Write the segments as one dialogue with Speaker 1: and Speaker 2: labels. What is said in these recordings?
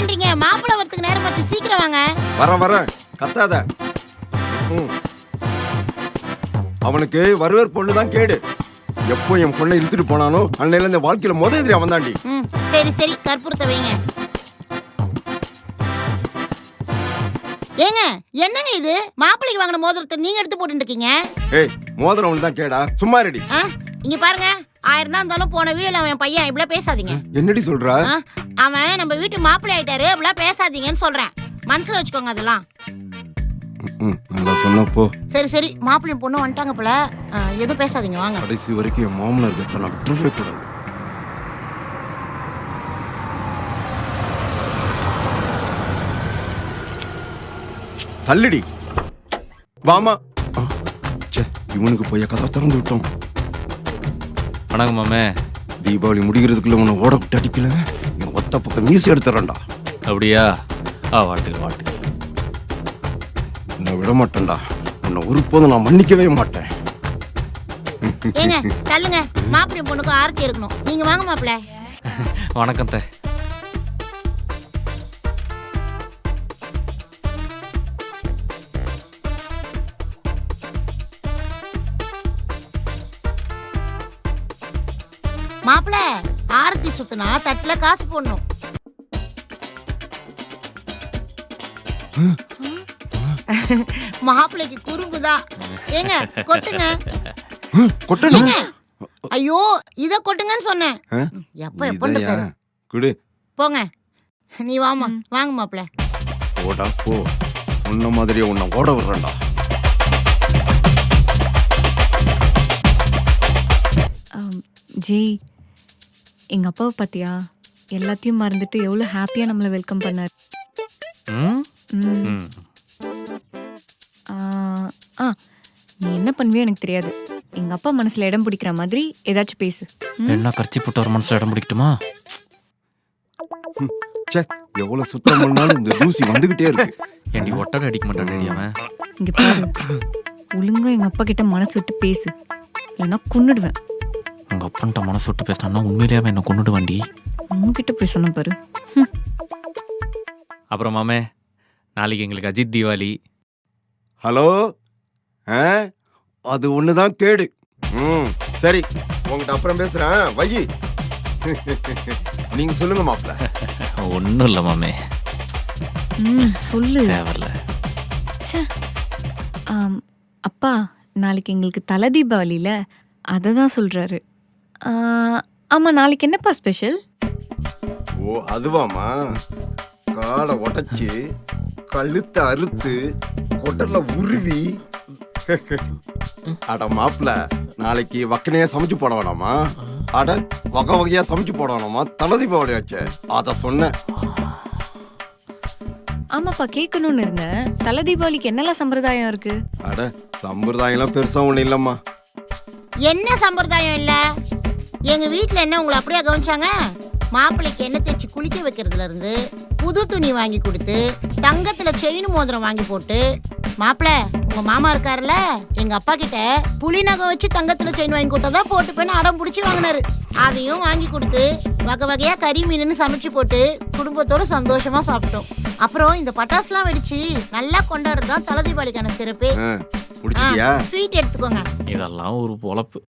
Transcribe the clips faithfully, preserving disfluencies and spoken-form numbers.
Speaker 1: பண்றீங்க? மாப்பிள்ளை வரதுக்கு நேரம் பார்த்து சீக்கிரம் வாங்க.
Speaker 2: வர வர கத்தாத. அவனுக்கு வருவர் பொண்ணு தான் கேடு. எப்போ என் பொண்ணை இழுத்துட்டு போனானோ அன்னையில இந்த வாழ்க்கையில முத எதிரி அவன் தாண்டி.
Speaker 1: சரி சரி கற்பூரத்தை வைங்க. ஏங்க என்னங்க இது? மாப்பிள்ளைக்கு வாங்கின மோதிரத்தை நீங்க எடுத்து போட்டு இருக்கீங்க.
Speaker 2: ஏய் மோதிரம் அவனுக்கு தான் கேடா, சும்மா ரெடி.
Speaker 1: இங்க பாருங்க, ஆயிரம் தான் இருந்தாலும் போன வீடியோல அவன் பையன் இப்படிலாம் பேசாதீங்க.
Speaker 2: என்னடி சொல்ற?
Speaker 1: அவன் நம்ம வீட்டு மாப்பிள்ளை ஆயிட்டாரு, அப்படிலாம் பேசாதீங்கன்னு சொல்றேன். மனசுல வச்சுக்கோங்க அதெல்லாம்.
Speaker 2: சொன்னப்போ
Speaker 1: சரி சரி மாப்பிள்ளை பொண்ணு வந்துட்டாங்க போல, எதுவும் பேசாதீங்க வாங்க.
Speaker 2: கடைசி வரைக்கும் என் மாமனார் கத்த நான் விட்டுறவே கூடாது. தள்ளுடி வாமா. இவனுக்கு போய் கதை திறந்து விட்டோம்.
Speaker 3: வணக்கம் மாமே.
Speaker 2: தீபாவளி முடிகிறதுக்குள்ள உன்னை ஓட விட்டு அடிக்கல, என் ஒத்த பக்கம் மீசி எடுத்துறேன்டா.
Speaker 3: அப்படியா? ஆ வாழ்த்துக்கள் வாழ்த்துக்கள்.
Speaker 2: உன்னை விட மாட்டேன்டா, உன்னை ஒருபோதும் நான் மன்னிக்கவே மாட்டேன்.
Speaker 1: ஏங்க தள்ளுங்க, மாப்பிள்ளை பொண்ணுக்கு ஆரத்தி எடுக்கணும். நீங்க வாங்க மாப்பிள்ளை.
Speaker 3: வணக்கம் தே.
Speaker 1: மாப்பிள்ள ஆரத்தி சுத்தினா தட்டுல காசு போடணும். மாப்பிள்ளைக்கு குறும்புதான். ஏங்க கொட்டுங்க.
Speaker 2: கொட்டுங்க.
Speaker 1: ஐயோ இத கொட்டுங்கன்னு சொன்னேன். எப்ப எப்ப
Speaker 2: குடு
Speaker 1: போங்க. நீ வாமா வாங்க மாப்பிள்ள.
Speaker 2: ஓடா போ, சொன்ன மாதிரியே உன்னை ஓட விடுறேன்டா.
Speaker 4: ஜி, எங்க அப்பாவை பார்த்தியா? எல்லாத்தையும் மறந்துட்டு எவ்வளோ ஹாப்பியா நம்மளை வெல்கம் பண்ணார். ஆ நீ என்ன பண்ணுவியோ எனக்கு தெரியாது. எங்க அப்பா மனசுல இடம் பிடிக்கிற மாதிரி ஏதாச்சும் பேசு.
Speaker 3: என்ன கர்ச்சி போட்டு ஒரு மனசுல இடம் பிடிக்கட்டுமா?
Speaker 2: சே, எவ்வளவு சுத்தம் பண்ணாலும் இந்த தூசி வந்துகிட்டே இருக்கு.
Speaker 3: ஏண்டி ஒட்டடை அடிக்க மாட்டான் அவன்?
Speaker 4: இங்க பாரு, ஒழுங்கா எங்க அப்பா கிட்ட மனசு விட்டு பேசு, இல்லைன்னா கொன்னுடுவேன்.
Speaker 3: உங்க அப்பன்ட்ட மனசு விட்டு பேசினா உண்மையிலேயே அவன் என்ன கொண்டுடு வண்டி.
Speaker 4: உங்ககிட்ட போய் சொன்ன பாரு.
Speaker 3: அப்புறம் மாமே, நாளைக்கு எங்களுக்கு அஜித் தீபாவளி.
Speaker 2: ஹலோ, அது ஒண்ணுதான் கேடு. ம் சரி, உங்ககிட்ட அப்புறம் பேசுறேன், வை. நீங்க சொல்லுங்க மாப்பிள்ள.
Speaker 3: ஒன்றும் இல்லை மாமே.
Speaker 4: ம் சொல்லு.
Speaker 3: தேவையில்ல.
Speaker 4: அப்பா நாளைக்கு எங்களுக்கு தலை தீபாவளியில அதை தான் சொல்றாரு. ஆமா, நாளைக்கு என்னப்பா ஸ்பெஷல்?
Speaker 2: ஓ அதுவாமா, காலை உடைச்சு கழுத்தை அறுத்து கொட்டர்ல உருவி. அட மாப்பிள்ள, நாளைக்கு வக்கனையா சமைச்சு போட வேணாமா? அட வகை வகையா சமைச்சு போட வேணாமா? தலை தீபாவளி ஆச்சு, அத சொன்னேன்.
Speaker 4: ஆமாப்பா, கேட்கணும்னு இருந்தேன். தலை தீபாவளிக்கு என்னெல்லாம் சம்பிரதாயம் இருக்கு?
Speaker 2: அட சம்பிரதாயம் எல்லாம் பெருசா ஒண்ணு இல்லம்மா.
Speaker 1: என்ன சம்பிரதாயம் இல்ல? எங்க வீட்டுல என்ன உங்களை அப்படியே கவனிச்சாங்க? மாப்பிள்ளைக்கு எண்ணெய் தேய்ச்சி குளிக்க வைக்கிறதுல இருந்து புது துணி வாங்கி கொடுத்து தங்கத்துல செயின் மோதிரம் வாங்கி போட்டு, மாப்பிள்ள உங்க மாமா இருக்காருல்ல, எங்க அப்பா கிட்ட புலி நகை வச்சு தங்கத்துல செயின் வாங்கி கொடுத்தா போட்டுப்பேன்னு அடம் பிடிச்சி வாங்கினாரு. அதையும் வாங்கி கொடுத்து வகை வகையா கறி மீன் சமைச்சு போட்டு குடும்பத்தோட சந்தோஷமா சாப்பிட்டோம். அப்புறம் இந்த பட்டாசுலாம் வெடிச்சு நல்லா கொண்டாடுறதுதான் தலை தீபாவளிக்கான சிறப்பு. ஸ்வீட் எடுத்துக்கோங்க.
Speaker 3: இதெல்லாம் ஒரு பொழப்பு.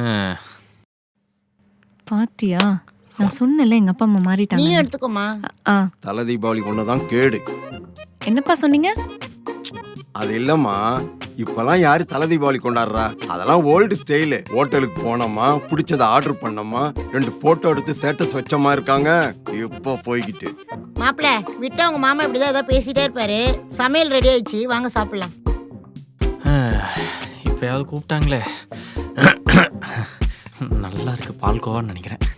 Speaker 4: பாத்தியா, நான் சொன்னல எங்க அப்பா அம்மா மாறிட்டாங்க.
Speaker 1: நீ எடுத்துக்கோமா.
Speaker 2: தலை தீபாவளி ஒண்ணுதான் கேடு.
Speaker 4: என்னப்பா சொன்னீங்க?
Speaker 2: அது இல்லம்மா, இப்பெல்லாம் யாரு தலை தீபாவளி கொண்டாடுறா? அதெல்லாம் ஓல்டு ஸ்டைலு. ஹோட்டலுக்கு போனோமா, பிடிச்சதை ஆர்டர் பண்ணோமா, ரெண்டு போட்டோ எடுத்து ஸ்டேட்டஸ் வச்சமா இருக்காங்க இப்போ போய்கிட்டு.
Speaker 1: மாப்பிள்ள விட்டா உங்க மாமா இப்படிதான் ஏதோ பேசிட்டே இருப்பாரு. சமையல் ரெடி ஆயிடுச்சு, வாங்க சாப்பிடலாம்.
Speaker 3: இப்பயாவது கூப்பிட்டாங்களே. நல்லா இருக்கு பால்கோவான்னு நினைக்கிறேன்.